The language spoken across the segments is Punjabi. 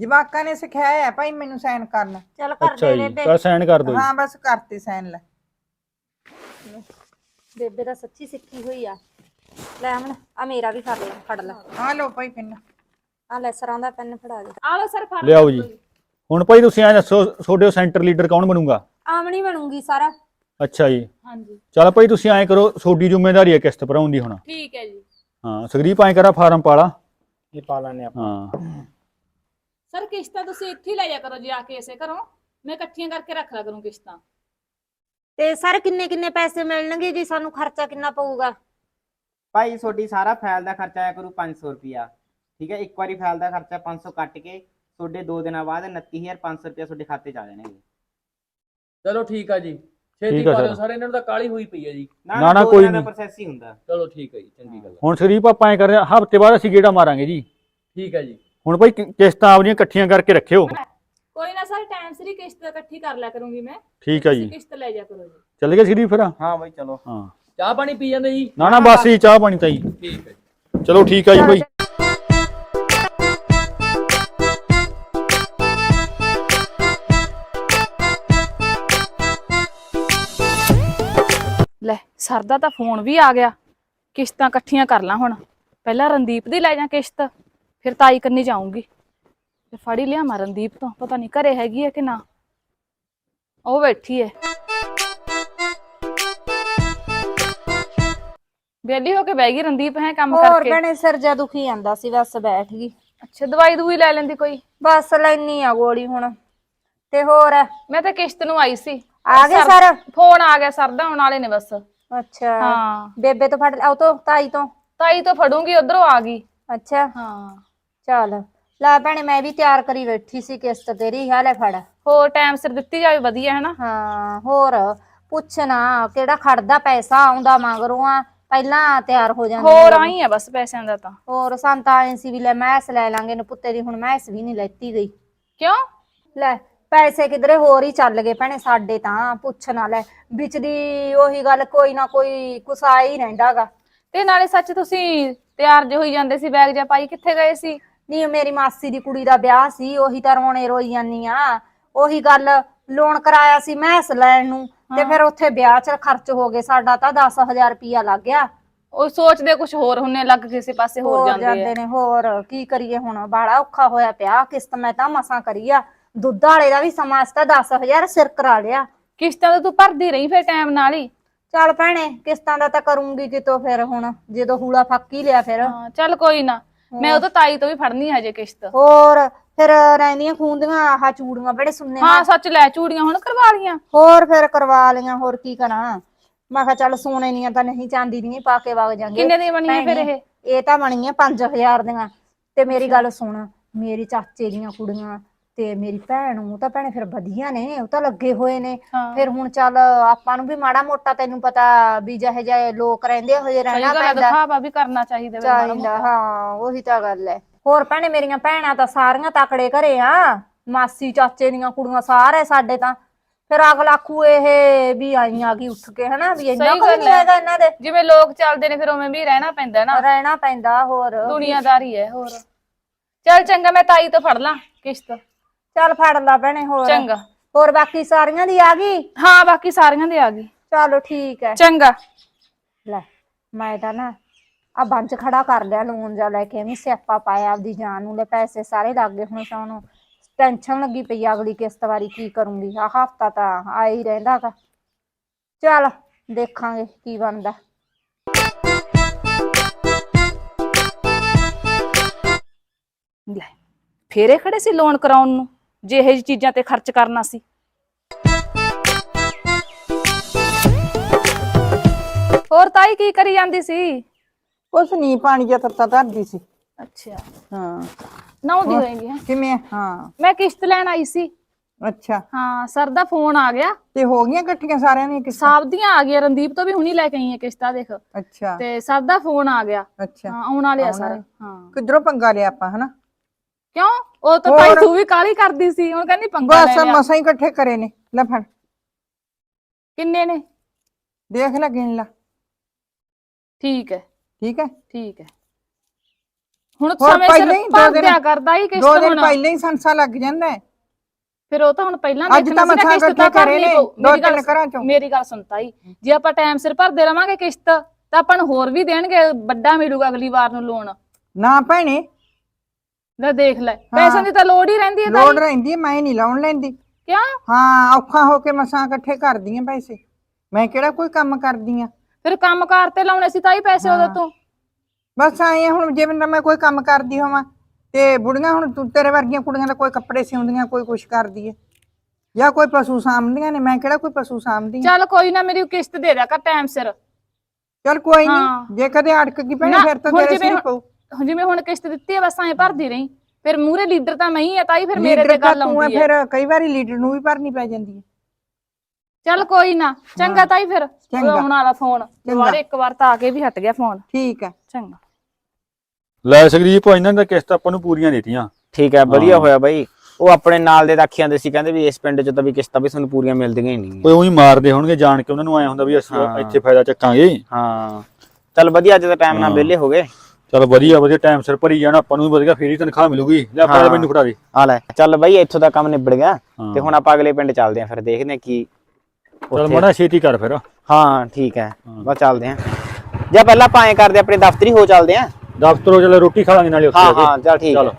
ਜਵਾਕਾਂ ਨੇ ਸਿਖਾਇਆ ਹੈ ਭਾਈ ਮੈਨੂੰ ਸਾਈਨ ਕਰਨਾ। ਚੱਲ ਕਰ ਅੱਛਾ ਦੇ ਜੀ ਬੇਬੇ। ਚਲ ਸਾਈਨ ਕਰ ਦੋ ਜੀ। ਹਾਂ ਬਸ ਕਰਤੇ ਸਾਈਨ ਲੈ। ਬੇਬੇ ਤਾਂ ਸੱਚੀ ਸਿੱਖੀ ਹੋਈ ਆ। ਲੈ ਅਮਨ ਆ ਮੇਰਾ ਵੀ ਫੜ ਲੈ, ਫੜ ਲੈ। ਆ ਲਓ ਭਾਈ ਪਿੰਨ। ਆ ਲੈ ਸਰਾਂ ਦਾ ਪੈਨ ਫੜਾ ਦੇ। ਆ ਲੋ ਸਰ ਫੜ ਲਿਆਓ ਜੀ। ਹੁਣ ਭਾਈ ਤੁਸੀਂ ਐ ਦੱਸੋ ਤੁਹਾਡੇ ਸੈਂਟਰ ਲੀਡਰ ਕੌਣ ਬਣੂਗਾ? ਆਮਣੀ ਬਣੂਗੀ ਸਾਰਾ। ਅੱਛਾ ਜੀ ਹਾਂਜੀ ਚਲ ਭਾਈ ਤੁਸੀਂ ਐਂ ਕਰੋ ਤੁਹਾਡੀ ਜ਼ਿੰਮੇਵਾਰੀ ਹੈ ਕਿਸ਼ਤ ਭਰਾਉਣ ਦੀ ਹੁਣ। ਠੀਕ ਹੈ ਜੀ। ਹਾਂ ਸੰਗਰੀਪ ਐਂ ਕਰਾ ਫਾਰਮ ਪਾਲਾ। ਇਹ ਪਾ ਲੈਣੇ ਆਪਾਂ। ਹਾਂ ਸਰ ਕਿਸ਼ਤਾਂ ਤੁਸੀਂ ਇੱਥੇ ਹੀ ਲੈ ਜਾ ਕਰੋ ਜੀ ਆ ਕੇ ਇਸੇ ਘਰੋਂ। ਮੈਂ ਇਕੱਠੀਆਂ ਕਰਕੇ ਰੱਖ ਲਿਆ ਕਰੂੰ ਕਿਸ਼ਤਾਂ। ਤੇ ਸਰ ਕਿੰਨੇ ਕਿੰਨੇ ਪੈਸੇ ਮਿਲਣਗੇ ਜੀ? ਸਾਨੂੰ ਖਰਚਾ ਕਿੰਨਾ ਪਊਗਾ? ਭਾਈ ਤੁਹਾਡੀ ਸਾਰਾ ਫਾਈਲ ਦਾ ਖਰਚਾ ਆਇਆ ਕਰੂ 500 ਰੁਪਿਆ। ਠੀਕ ਹੈ, ਇੱਕ ਵਾਰੀ ਫਾਈਲ ਦਾ ਖਰਚਾ 500 ਕੱਟ ਕੇ ਤੁਹਾਡੇ 2 ਦਿਨਾਂ ਬਾਅਦ 29,500 ਰੁਪਿਆ ਤੁਹਾਡੇ ਖਾਤੇ ਚ ਆ ਜਾਣਗੇ। ਚਲੋ ਠੀਕ ਆ ਜੀ ਛੇਤੀ ਠੀਕ ਆ ਪਾ ਸਰ। ਦਿਓ ਸਰ ਇਹਨਾਂ ਨੂੰ ਤਾਂ ਕਾਲੀ ਹੋਈ ਪਈ ਹੈ ਜੀ। ਨਾ, ਦੋ ਕੋਈ ਦਿਨਾਂ ਦਾ ਨਹੀਂ। ਪ੍ਰੋਸੈਸ ਹੀ ਹੁੰਦਾ। ਚਲੋ ਠੀਕ ਹੈ ਜੀ ਚੰਗੀ ਗੱਲ ਆ। ਹੁਣ ਸੰਗਰੀਪ ਆਪਾਂ ਐਂ ਕਰ ਰਹੇ ਹਫ਼ਤੇ ਬਾਅਦ ਅਸੀਂ ਗੇੜਾ ਮਾਰਾਂਗੇ ਜੀ। ਠੀਕ ਹੈ ਜੀ ਹੁਣ ਭਾਈ ਕਿਸ਼ਤਾਂ ਆਪਣੀਆਂ ਇਕੱਠੀਆਂ ਕਰਕੇ ਰੱਖਿਓ। ਕੋਈ ਨਾ ਸਰ ਟਾਈਮ ਸਿਰ ਹੀ ਕਿਸ਼ਤ ਇਕੱਠੀ ਕਰ ਲਿਆ ਕਰੂੰਗੀ ਮੈਂ। ਠੀਕ ਹੈ ਤੁਸੀਂ ਜੀ ਕਿਸ਼ਤ ਲੈ ਜਾ ਕਰੋ ਜੀ। ਚੱਲ ਗਏ ਸੰਗਰੀਪ ਫਿਰ? ਹਾਂ ਬਾਈ ਚਲੋ। ਹਾਂ ਚਾਹ ਪਾਣੀ ਪੀ ਜਾਂਦੇ ਜੀ? ਨਾ ਬਸ ਜੀ ਚਾਹ ਪਾਣੀ ਤਾਂ ਜੀ। ਠੀਕ ਹੈ ਜੀ। ਚਲੋ ਠੀਕ ਆ ਜੀ ਭਾਈ। ਲੈ ਸਰ ਦਾ ਤਾਂ ਫੋਨ ਵੀ ਆ ਗਿਆ। ਕਿਸ਼ਤਾਂ ਇਕੱਠੀਆਂ ਕਰ ਲਾਂ ਹੁਣ। ਪਹਿਲਾਂ ਰਣਦੀਪ ਦੀ ਲੈ ਜਾ ਕਿਸ਼ਤ, ਫਿਰ ਤਾਈ ਕਰਨੀ ਜਾਊਂਗੀ। ਤੇ ਫੜੀ ਲਿਆ ਮੈਂ ਰਣਦੀਪ ਤੋਂ, ਪਤਾ ਨਹੀਂ ਘਰੇ ਹੈਗੀ ਹੈ ਕਿ ਨਾ। ਉਹ ਬੈਠੀ ਹੈ ਵਿਹਲੀ ਹੋ ਕੇ ਬਹਿ ਗਈ ਰਣਦੀਪ ਹੈ ਕੰਮ ਹੋਰ ਕਰਕੇ। ਭੈਣੇ ਸਿਰ ਜਾ ਦੁਖੀ ਜਾਂਦਾ ਸੀ, ਬਸ ਬੈਠ ਗਈ। ਅੱਛਾ ਦਵਾਈ ਦੂਈ ਲੈ ਲੈਂਦੀ ਕੋਈ। ਬਸ ਲੈਣੀ ਆ ਗੋਲੀ ਹੁਣ। ਤੇ ਹੋਰ ਮੈਂ ਤਾਂ ਕਿਸ਼ਤ ਨੂੰ ਆਈ ਸੀ। ਆ ਗਏ ਸਰ? ਫੋਨ ਆ ਗਿਆ ਸਰ ਦਾ, ਆਉਣ ਵਾਲੇ ਨੇ ਬਸ। ਅੱਛਾ ਹਾਂ ਬੇਬੇ ਤੋਂ ਫੜ ਉਹ ਤੋਂ ਤਾਈ ਤੋਂ। ਤਾਈ ਤੋਂ ਫੜੂੰਗੀ, ਉਧਰੋਂ ਆ ਗਈ। ਅੱਛਾ ਹਾਂ ਚੱਲ ਲੈ ਭੈਣੇ ਮੈਂ ਵੀ ਤਿਆਰ ਕਰੀ ਬੈਠੀ ਸੀ ਕਿਸ਼ਤ ਤੇਰੀ। ਹਾਲੇ ਫੜ। ਹੋਰ ਟਾਈਮ ਸਿਰ ਦਿੱਤੀ ਜਾਵੇ ਵਧੀਆ ਹੈ ਨਾ। ਹਾਂ ਹੋਰ ਪੁੱਛਣਾ ਕਿਹੜਾ ਖੜਦਾ ਪੈਸਾ ਆਉਂਦਾ ਮਗਰੋਂ ਆ, ਪਹਿਲਾਂ ਤਿਆਰ ਹੋ ਜਾਂਦੇ ਹੋਰ ਲੋਕ। ਆਈ ਆ ਬਸ ਪੈਸਿਆਂ ਦਾ ਤਾਂ। ਹੋਰ ਸੰਤਾ ਆਏ ਸੀ ਵੀ ਲੈ ਮੈਸ ਲੈ ਲਾਂਗੇ ਨੂੰ ਪੁੱਤੇ ਦੀ, ਹੁਣ ਮੈਸ ਵੀ ਨਹੀਂ ਲੈਤੀ ਗਈ। ਕਿਉਂ? ਲੈ ਪੈਸੇ ਕਿਧਰੇ ਹੋਰ ਹੀ ਚੱਲ ਗਏ ਭੈਣੇ ਸਾਡੇ ਤਾਂ। ਪੁੱਛਣਾ ਲੈ ਵਿੱਚ ਦੀ ਉਹੀ ਗੱਲ, ਕੋਈ ਨਾ ਕੋਈ ਕੁਸਾ ਹੀ ਰਹਿੰਦਾਗਾ। ਤੇ ਨਾਲੇ ਸੱਚ ਤੁਸੀਂ ਤਿਆਰ ਜੇ ਹੋਈ ਜਾਂਦੇ ਸੀ, ਬੈਗ ਜਾਂ ਪਾਈ ਕਿੱਥੇ ਗਏ ਸੀ? ਨਹੀਂ ਮੇਰੀ ਮਾਸੀ ਦੀ ਕੁੜੀ ਦਾ ਵਿਆਹ ਸੀ, ਉਹੀ ਤਾਂ ਰੋਣੇ ਰੋਈ ਜਾਨੀ ਆ। ਉਹੀ ਗੱਲ ਲੋਨ ਕਰਾਇਆ ਸੀ ਮੈਸ ਲੈਣ ਨੂੰ, ਤੇ ਫਿਰ ਉੱਥੇ ਵਿਆਹ 'ਚ ਖਰਚ ਹੋ ਗਏ ਸਾਡਾ ਤਾਂ 10,000 ਰੁਪਇਆ ਲੱਗ ਗਿਆ। ਉਹ ਸੋਚਦੇ ਕੁਝ ਹੋਰ ਹੁੰਨੇ, ਲੱਗ ਕਿਸੇ ਪਾਸੇ ਹੋਰ ਜਾਂਦੇ ਆ। ਨੇ। ਹੋਰ ਕੀ ਕਰੀਏ ਹੁਣ, ਬਾੜਾ ਔਖਾ ਹੋਇਆ ਪਿਆ। ਕਿਸ਼ਤ ਮੈਂ ਤਾਂ ਮਸਾਂ ਕਰੀ ਆ। ਦੁੱਧ ਵਾਲੇ ਦਾ ਵੀ ਸਮਾਂ ਸੀ ਤਾਂ 10,000 ਸਿਰ ਕਰਾ ਲਿਆ। ਕਿਸ਼ਤਾਂ ਤਾਂ ਤੂੰ ਭਰਦੀ ਰਹੀ ਫਿਰ ਟਾਈਮ ਨਾਲ ਹੀ। ਚੱਲ ਭੈਣੇ ਕਿਸ਼ਤਾਂ ਦਾ ਤਾਂ ਕਰੂੰਗੀ ਕਿਤੋਂ ਫਿਰ, ਹੁਣ ਜਦੋਂ ਹੂਲਾ ਫੱਕ ਹੀ ਲਿਆ ਫਿਰ। ਹਾਂ ਚੱਲ ਕੋਈ ਨਾ, ਮੈਂ ਉਹ ਤਾਂ ਤਾਈ ਤੋਂ ਵੀ ਫੜਨੀ ਹਜੇ ਕਿਸ਼ਤ। ਹੋਰ ਫਿਰ ਰਹਿੰਦੀਆਂ ਖੂੰਦੀਆਂ ਆਹ ਚੂੜੀਆਂ ਬੜੇ ਸੁਣਨੇ। ਹਾਂ ਸੱਚ ਲੈ ਚੂੜੀਆਂ ਹੁਣ ਕਰਵਾ ਲੀਆਂ। ਹੋਰ ਫਿਰ ਕਰਵਾ ਲਈਆਂ, ਹੋਰ ਕੀ ਕਰਾਂ। ਮੈਂ ਕਿਹਾ ਚੱਲ ਸੋਨੇ ਦੀਆਂ ਤਾਂ ਨਹੀਂ, ਚਾਂਦੀ ਦੀਆਂ ਹੀ ਪਾ ਕੇ ਵਗ ਜਾਂਗੇ। ਕਿੰਨੇ ਦੀਆਂ ਬਣੀਆਂ ਫਿਰ ਇਹ? ਇਹ ਤਾਂ ਬਣੀਆਂ 5,000 ਦੀਆਂ। ਤੇ ਮੇਰੀ ਗੱਲ ਸੁਣ, ਮੇਰੀ ਚਾਚੇ ਦੀਆਂ ਕੁੜੀਆਂ ਤੇ ਮੇਰੀ ਭੈਣ, ਉਹ ਤਾਂ ਭੈਣੇ ਫਿਰ ਵਧੀਆ ਨੇ, ਉਹ ਤਾਂ ਲੱਗੇ ਹੋਏ ਨੇ। ਫਿਰ ਹੁਣ ਚੱਲ ਆਪਾਂ ਨੂੰ ਵੀ ਮਾੜਾ ਮੋਟਾ ਤੈਨੂੰ ਪਤਾ ਵੀ ਜਿਹੇ ਜਿਹੇ ਲੋਕ ਰਹਿੰਦੇ ਹੋਏ ਰਹਿਣਾ ਪੈਂਦਾ। ਦਿਖਾਵਾ ਵੀ ਕਰਨਾ ਚਾਹੀਦਾ ਫਿਰ ਮਾੜਾ ਚਾਹੀਦਾ। ਮੋਟਾ। ਹਾਂ ਉਹੀ ਤਾਂ ਗੱਲ ਹੈ। ਹੋਰ ਭੈਣੇ ਮੇਰੀਆਂ ਭੈਣਾਂ ਤਾਂ ਸਾਰੀਆਂ ਤਕੜੇ ਘਰੇ ਆ। ਮਾਸੀ ਚਾਚੇ ਦੀਆਂ ਕੁੜੀਆਂ ਸਾਰੇ ਸਾਡੇ ਤਾਂ। ਫਿਰ ਅਗਲਾ ਆਖੂ ਇਹ ਵੀ ਆਈਆਂ ਕੀ ਉੱਠ ਕੇ, ਹਨਾ ਵੀ ਇੰਨਾ ਸਹੀ ਕੁ ਗੱਲ ਨਹੀਂ ਹੈਗਾ ਇਹਨਾਂ ਦੇ। ਜਿਵੇਂ ਲੋਕ ਚੱਲਦੇ ਨੇ ਫਿਰ ਉਵੇਂ ਵੀ ਰਹਿਣਾ ਪੈਂਦਾ ਨਾ। ਰਹਿਣਾ ਪੈਂਦਾ। ਹੋਰ ਦੁਨੀਆਦਾਰੀ ਹੈ। ਹੋਰ ਚੱਲ ਚੰਗਾ, ਮੈਂ ਤਾਈ ਤੋਂ ਫੜ ਲਾਂ ਕਿਸ਼ਤ। ਚੱਲ ਫੜ ਲਾ ਭੈਣੇ। ਹੋਰ ਚੰਗਾ। ਹੋਰ ਬਾਕੀ ਸਾਰੀਆਂ ਦੀ ਆ ਗਈ? ਹਾਂ ਬਾਕੀ ਸਾਰੀਆਂ ਦੇ ਆ ਗਈ। ਚਲੋ ਠੀਕ ਹੈ। ਚੰਗਾ। ਲੈ ਮੈਂ ਤਾਂ ਨਾ ਆ ਬੰਚ ਖੜਾ ਕਰ ਲਿਆ ਲੋਨ ਜਾ ਲੈ ਕੇ, ਐਵੇਂ ਸਿਆਪਾ ਪਾਇਆ ਆਪਦੀ ਜਾਨ ਨੂੰ। ਲੈ ਪੈਸੇ ਸਾਰੇ ਲੱਗ ਗਏ, ਹੁਣ ਸਾਨੂੰ ਟੈਨਸ਼ਨ ਲੱਗੀ ਪਈ ਅਗਲੀ ਕਿਸ਼ਤ ਵਾਰੀ ਕੀ ਕਰੂੰਗੀ। ਆ ਹਫਤਾ ਤਾਂ ਆ ਹੀ ਰਹਿੰਦਾ ਗਾ। ਚੱਲ ਦੇਖਾਂਗੇ ਕੀ ਬਣਦਾ। ਲੈ ਫੇਰੇ ਖੜੇ ਸੀ ਲੋਨ ਕਰਾਉਣ ਨੂੰ, ਜੇ ਇਹ ਜਿਹੀ ਚੀਜ਼ਾਂ ਤੇ ਖਰਚ ਕਰਨਾ ਸੀ। ਹੋਰ ਤਾਈ ਕੀ ਕਰੀ ਜਾਂਦੀ ਸੀ? ਕੁਛ ਨਹੀਂ, ਪਾਣੀ ਜਿਹਾ ਤੱਤਾ ਧਰਦੀ ਸੀ। ਅੱਛਾ ਹਾਂ ਨਹਾਉਂਦੀ ਹੋਏਗੀ ਹੈ। ਕਿਵੇਂ? ਹਾਂ ਮੈਂ ਕਿਸ਼ਤ ਲੈਣ ਆਈ ਸੀ। ਅੱਛਾ ਹਾਂ ਸਰ ਦਾ ਫੋਨ ਆ ਗਿਆ। ਤੇ ਹੋ ਗਈਆਂ ਇਕੱਠੀਆਂ ਸਾਰਿਆਂ ਦੀਆਂ ਕਿਸ਼ਤਾਂ? ਸਭ ਦੀਆਂ ਆ ਗਈਆਂ, ਰਣਦੀਪ ਤੋਂ ਵੀ ਹੁਣੀ ਲੈ ਕੇ ਆਈ ਹੈ ਕਿਸ਼ਤਾਂ ਦੇਖ। ਅੱਛਾ ਤੇ ਸਰ ਦਾ ਫੋਨ ਆ ਗਿਆ। ਅੱਛਾ ਹਾਂ ਆਉਣ ਵਾਲੇ ਆ ਸਾਰੇ। ਹਾਂ ਕਿੱਧਰੋਂ ਪੰਗਾ ਲਿਆ ਆਪਾਂ, ਹਨਾ? ਕਿਉਂ? ਉਹ ਤਾਂ ਤਾਈ ਤੂੰ ਵੀ ਕਾਹਲੀ ਕਰਦੀ ਸੀ, ਹੁਣ ਕਹਿੰਦੀ ਪੰਗਾ ਲੈ ਬਸ ਲਿਆ। ਮਸਾਂ ਹੀ ਇਕੱਠੇ ਕਰੇ ਨੇ। ਲੈ ਫੜ ਕਿੰਨੇ ਨੇ? ਦੇਖ ਲੈ, ਗਿਣ ਲੈ। ਠੀਕ ਹੈ ਠੀਕ ਹੈ। ਠੀਕ ਹੈ। ਹੁਣ ਹੋਰ ਸਮੇਂ ਸਿਰ ਪਹਿਲਾਂ ਹੀ ਦੋ ਭਰ ਦਿਨ- ਦਿਆ ਕਰਦਾ ਹੀ ਕਿਸ਼ਤ 2 ਦਿਨ ਹੁਣ ਪਹਿਲਾਂ ਹੀ ਸੰਸਾ ਲੱਗ ਜਾਂਦਾ ਹੈ। ਫਿਰ ਉਹ ਤਾਂ ਹੁਣ ਪਹਿਲਾਂ ਅੱਜ ਦੇਖਣਾ ਤਾਂ ਸੀ ਨਾ, ਮਸਾਂ ਕਿਸ਼ਤ ਇਕੱਠੇ ਤਾਂ ਕਰੇ ਭਰਨੀ ਨੇ, ਪਊ। 2-3 ਘਰਾਂ ਚੋਂ। ਮੇਰੀ ਗੱਲ ਸੁਣਤਾ ਹੀ, ਜੇ ਆਪਾਂ ਟਾਈਮ ਸਿਰ ਭਰਦੇ ਰਵਾਂਗੇ ਕਿਸ਼ਤ ਤਾਂ ਆਪਾਂ ਨੂੰ ਹੋਰ ਵੀ ਦੇਣਗੇ, ਵੱਡਾ ਮਿਲੂਗਾ ਅਗਲੀ ਵਾਰ ਨੂੰ ਲੋਨ। ਨਾ ਭੈਣੇ, ਲੈ ਦੇਖ ਲੈ, ਪੈਸਿਆਂ ਦੀ ਤਾਂ ਲੋੜ ਹੀ ਰਹਿੰਦੀ ਹੈ ਲੋੜ ਤਾਈ। ਰਹਿੰਦੀ ਹੈ, ਮੈਂ ਨਹੀਂ ਲਾਉਣ ਲੈਂਦੀ। ਕਿਉਂ? ਹਾਂ, ਔਖਾ ਹੋ ਕੇ ਮਸਾਂ ਇਕੱਠੇ ਕਰਦੀ ਆ ਪੈਸੇ, ਮੈਂ ਕਿਹੜਾ ਕੋਈ ਕੰਮ ਕਰਦੀ ਆ। ਫਿਰ ਕੰਮਕਾਰ ਤੇ ਲਾਉਣੇ ਸੀ ਤਾਈ ਪੈਸੇ ਉਹਦੇ ਤੋਂ। ਬਸ ਆਏ ਹੁਣ ਜੇ ਮੈਂ ਕੋਈ ਕੰਮ ਕਰਦੀ ਹੋਵਾਂ ਤੇ ਬੁੜੀਆਂ, ਹੁਣ ਤੂੰ ਤੇਰੇ ਵਰਗੀਆਂ ਕੁੜੀਆਂ ਦਾ ਕੋਈ ਕੱਪੜੇ ਸਿਉਂਦੀਆਂ, ਕੋਈ ਕੁਛ ਕਰਦੀ ਹੈ, ਜਾਂ ਕੋਈ ਪਸ਼ੂ ਸਾਂਭਦੀਆਂ ਨੇ, ਮੈਂ ਕਿਹੜਾ ਕੋਈ ਪਸ਼ੂ ਸਾਂਭਦੀ ਆ। ਚੱਲ ਕੋਈ ਨਾ, ਮੇਰੀ ਕਿਸ਼ਤ ਦੇ ਦਿਆ ਕਰ ਟਾਈਮ ਸਿਰ। ਚੱਲ ਕੋਈ ਹਾਂ। ਨਹੀਂ, ਜੇ ਕਦੇ ਅੜਕ ਗਈ ਭੈਣੇ ਨਾ, ਫਿਰ ਤਾਂ ਹੁਣ ਤੇਰੇ ਜਿਵੇਂ ਸਿਰ ਪਊ। ਜਿਵੇਂ ਹੁਣ ਕਿਸ਼ਤ ਦਿੱਤੀ ਹੈ ਬਸ ਐਂ ਭਰਦੀ ਰਹੀ, ਫਿਰ ਮੂਹਰੇ ਲੀਡਰ ਤਾਂ ਮੈਂ ਹੀ ਆ ਤਾਈ, ਫਿਰ ਮੇਰੇ ਲੀਡਰ ਤੇ ਤਾਂ ਗੱਲ ਤੂੰ ਹੈ, ਆਉਂਦੀ ਹੈ। ਫਿਰ ਕਈ ਵਾਰੀ ਲੀਡਰ ਨੂੰ ਵੀ ਭਰਨੀ ਪੈ ਜਾਂਦੀ ਹੈ। ਚੱਲ ਕੋਈ ਨਾ, ਚੰਗਾ ਤਾਈ, ਫਿਰ ਚੰਗਾ। ਆਉਣ ਵਾਲਾ ਫੋਨ ਦੁਬਾਰੇ ਇੱਕ ਵਾਰ ਤਾਂ ਆ ਕੇ ਵੀ ਹਟ ਗਿਆ ਫੋਨ। ਠੀਕ ਹੈ। ਚੰਗਾ। ਲੈ ਸਕਰੀਪ ਇਹਨਾਂ ਦਾ ਕਿਸ਼ਤ ਆਪਾਂ ਨੂੰ ਪੂਰੀਆਂ ਦਿੱਤੀਆਂ। ਠੀਕ ਹੈ, ਵਧੀਆ ਹੋਇਆ ਬਾਈ। ਉਹ ਆਪਣੇ ਨਾਲ ਦੇ ਤਾਂ ਆਖੀਆਂ ਦੇ ਸੀ, ਕਹਿੰਦੇ ਵੀ ਇਸ ਪਿੰਡ 'ਚ ਤਾਂ ਵੀ ਕਿਸ਼ਤਾਂ ਵੀ ਤੁਹਾਨੂੰ ਪੂਰੀਆਂ ਮਿਲਦੀਆਂ ਹੀ ਨਹੀਂ। ਕੋਈ ਉਹੀ ਮਾਰਦੇ ਹੋਣਗੇ ਜਾਣ ਕੇ, ਉਹਨਾਂ ਨੂੰ ਆਇਆ ਹੁੰਦਾ ਵੀ ਅਸੀਂ ਹਾਂ। ਇੱਥੇ ਫਾਇਦਾ ਚੱਕਾਂਗੇ। ਹਾਂ, ਚੱਲ ਵਧੀਆ, ਅੱਜ ਦਾ ਟਾਈਮ ਨਾਲ ਵਿਹਲੇ ਹੋ ਗਏ। ਚਲ ਵਧੀਆ ਵਧੀਆ, ਟਾਈਮ ਸਿਰ ਭਰੀ ਜਾਣਾ, ਆਪਾਂ ਨੂੰ ਵੀ ਵਧੀਆ, ਫੇਰ ਹੀ ਤਨਖਾਹ ਮਿਲੂਗੀ। ਲੈ ਆਪਾਂ ਮੈਨੂੰ ਫੜਾ ਦੇ। ਆ ਲੈ, ਚੱਲ ਬਾਈ, ਇੱਥੋਂ ਦਾ ਕੰਮ ਨਿਬੜ ਗਿਆ ਹਾਂ। ਤੇ ਹੁਣ ਆਪਾਂ ਅਗਲੇ ਪਿੰਡ ਚੱਲਦੇ ਆਂ, ਫਿਰ ਦੇਖਦੇ ਆਂ ਕੀ ਚਲ ਉੱਥੇ। ਮੜਾ ਛੇਤੀ ਕਰ ਫਿਰ। ਹਾਂ ਠੀਕ ਹੈ, ਬਸ ਚੱਲਦੇ ਆਂ। ਜਾਂ ਪਹਿਲਾਂ ਆਪਾਂ ਐਂ ਕਰਦੇ, ਆਪਣੇ ਦਫ਼ਤਰੀ ਹੋ ਚੱਲਦੇ ਆਂ। ਦਫ਼ਤਰੋਂ ਚਲ ਰੋਟੀ ਖਾ ਲਾਂਗੇ ਨਾਲੇ ਉੱਥੇ ਹਾਂ ਜਾ ਕੇ। ਹਾਂ, ਚੱਲ ਠੀਕ ਚਲ ਹੈ।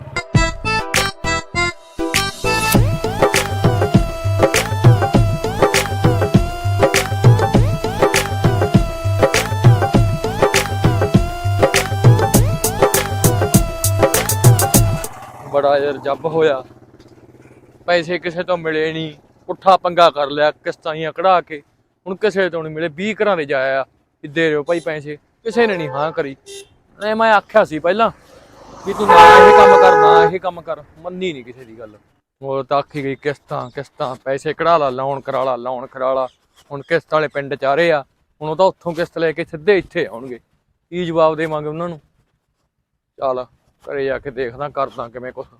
ਬੜਾ ਯਾਰ ਜੱਬ ਹੋਇਆ, ਪੈਸੇ ਕਿਸੇ ਤੋਂ ਮਿਲੇ ਨਹੀਂ, ਪੁੱਠਾ ਪੰਗਾ ਕਰ ਲਿਆ, ਕਿਸ਼ਤਾਂ ਹੀ ਕਢਾ ਕੇ ਹੁਣ ਕਿਸੇ ਤੋਂ ਨਹੀਂ ਮਿਲੇ। 20 ਘਰਾਂ ਦੇ ਜਾਇਆ ਵੀ ਦੇ ਰਿਓ ਭਾਈ ਪੈਸੇ, ਕਿਸੇ ਨੇ ਨਹੀਂ ਹਾਂ ਕਰੀ। ਮੈਂ ਆਖਿਆ ਸੀ ਪਹਿਲਾਂ ਵੀ ਤੂੰ ਨਾ ਇਹ ਕੰਮ ਕਰ, ਨਾ ਇਹ ਕੰਮ ਕਰ, ਮੰਨੀ ਨਹੀਂ ਕਿਸੇ ਦੀ ਗੱਲ। ਉਹ ਤਾਂ ਆਖੀ ਗਈ ਕਿਸ਼ਤਾਂ ਕਿਸ਼ਤਾਂ, ਪੈਸੇ ਕਢਾ ਲਾ, ਲੋਨ ਕਰਾ ਲਾ, ਲੋਨ ਕਰਾ ਲਾ। ਹੁਣ ਕਿਸ਼ਤ ਵਾਲੇ ਪਿੰਡ 'ਚ ਆ ਰਹੇ ਆ, ਹੁਣ ਉਹ ਤਾਂ ਉੱਥੋਂ ਕਿਸ਼ਤ ਲੈ ਕੇ ਸਿੱਧੇ ਇੱਥੇ ਆਉਣਗੇ। ਕੀ ਜਵਾਬ ਦੇਵਾਂਗੇ ਉਹਨਾਂ ਨੂੰ? ਚੱਲ ਘਰੇ ਜਾ ਕੇ ਦੇਖਦਾ, ਕਰਦਾ ਕਿਵੇਂ ਕੁਛ।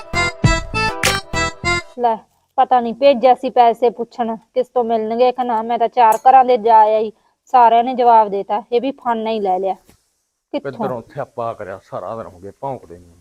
ਲੈ, ਪਤਾ ਨਹੀਂ ਭੇਜਿਆ ਸੀ ਪੈਸੇ ਪੁੱਛਣ ਕਿਸ ਤੋਂ ਮਿਲਣਗੇ ਕਿ ਨਾ। ਮੈਂ ਤਾਂ 4 ਘਰਾਂ ਦੇ ਜਾ ਆਈ, ਸਾਰਿਆਂ ਨੇ ਜਵਾਬ ਦੇਤਾ, ਇਹ ਵੀ ਫਾਨਾ ਹੀ ਲੈ ਲਿਆ। ਕਿੱਥੋਂ? ਕਿੱਧਰੋਂ ਥਿਆਪਾ ਕਰਿਆ, ਸਾਰਾ ਦਿਨ ਹੋ ਗਿਆ ਭੌਂਕਦੇ ਨੂੰ।